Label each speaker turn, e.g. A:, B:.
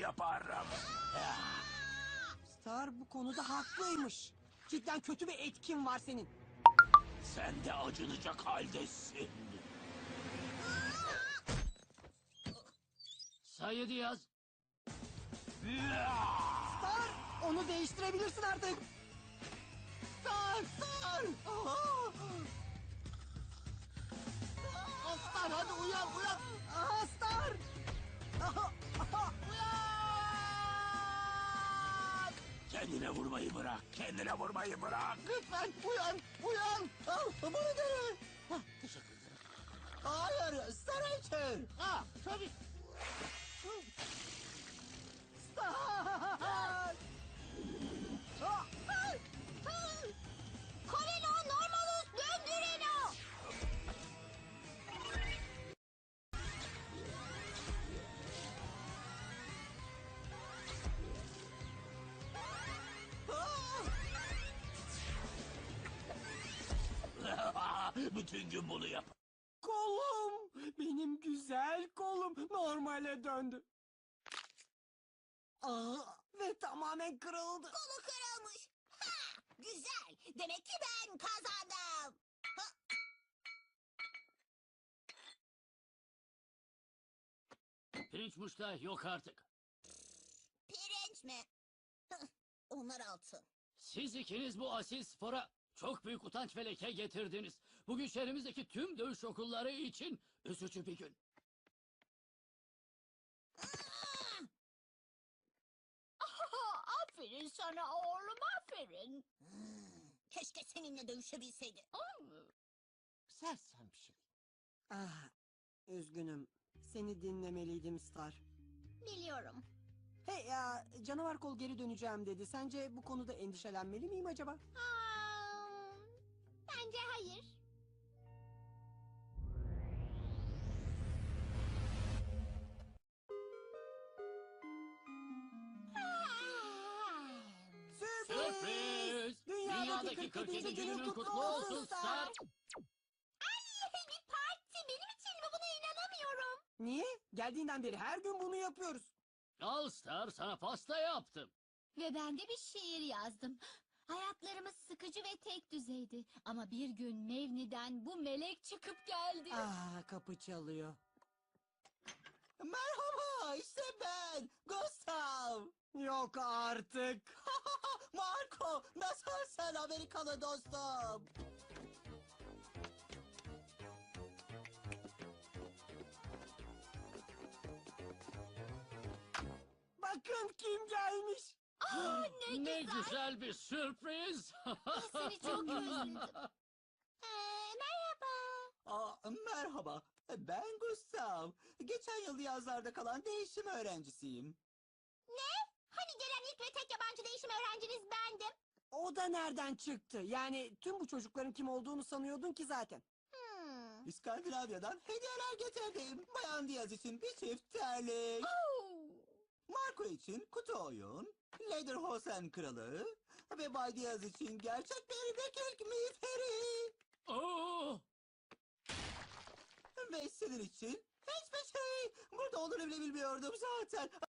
A: yaparım.
B: Star bu konuda haklıymış. Cidden kötü bir etkin var senin.
A: Sen de acınacak haldesin.
C: Sayı Diyaz.
B: Star, onu değiştirebilirsin artık.
D: Star! Star hadi uyan!
B: Aha Star!
A: Kendine vurmayı bırak. Kendine vurmayı bırak.
D: Lütfen uyan! Bana dene!
A: Teşekkür ederim.
D: Hayır, Star Archer!
C: Tabii.
B: Star!
E: Corino, Normalus, döndüreno.
A: Bütün gün bunu yap.
B: Kolum! Benim güzel kolum normale döndü. Ve tamamen kırıldı.
E: Kolu kırılmış. Ha, güzel. Demek ki ben kazandım.
C: Pirinç muşta yok artık.
E: Pirinç mi? Onlar altın.
C: Siz ikiniz bu asil spora çok büyük utanç ve leke getirdiniz. Bugün şehrimizdeki tüm dövüş okulları için üzücü bir gün.
E: Aferin sana oğlum, aferin. Keşke seninle dövüşebilseydi.
C: Sersem şey.
B: Üzgünüm. Seni dinlemeliydim Star.
E: Biliyorum.
B: Hey ya, canavar kol geri döneceğim dedi. Sence bu konuda endişelenmeli miyim acaba?
E: Bence hayır.
C: Sürpriz! Dünyadaki 47. günün kutlu olsun Star.
E: Bir parti benim için mi? Buna inanamıyorum.
B: Niye? Geldiğinden beri her gün bunu yapıyoruz.
C: Al Star, sana pasta yaptım.
E: Ve ben de bir şiir yazdım. Hayatlarımız sıkıcı ve tek düzeydi. Ama bir gün Mevni'den bu melek çıkıp geldi.
B: Kapı çalıyor.
D: Merhaba, işte ben, Gustav!
B: Yok artık.
D: Marco, nasılsın Amerikalı dostum?
B: Bakın kim gelmiş.
C: Ne güzel bir sürpriz.
E: Seni çok özledim. Merhaba.
D: Merhaba, ben Gustav. Geçen yıl yazlarda kalan değişim öğrencisiyim.
E: Hani gelen ilk ve tek yabancı değişim öğrenciniz bendim.
B: O da nereden çıktı? Yani tüm bu çocukların kim olduğunu sanıyordun ki zaten.
D: İskandinavya'dan hediyeler getirdim. Bayan Diaz için bir çift terlik. Marco için kutu oyun. Lederhosen kralı. Ve Bay Diaz için gerçek bir vekillik miğferi.
C: Oo!
D: Ve senin için hiçbir şey. Burada olduğunu bile bilmiyordum zaten.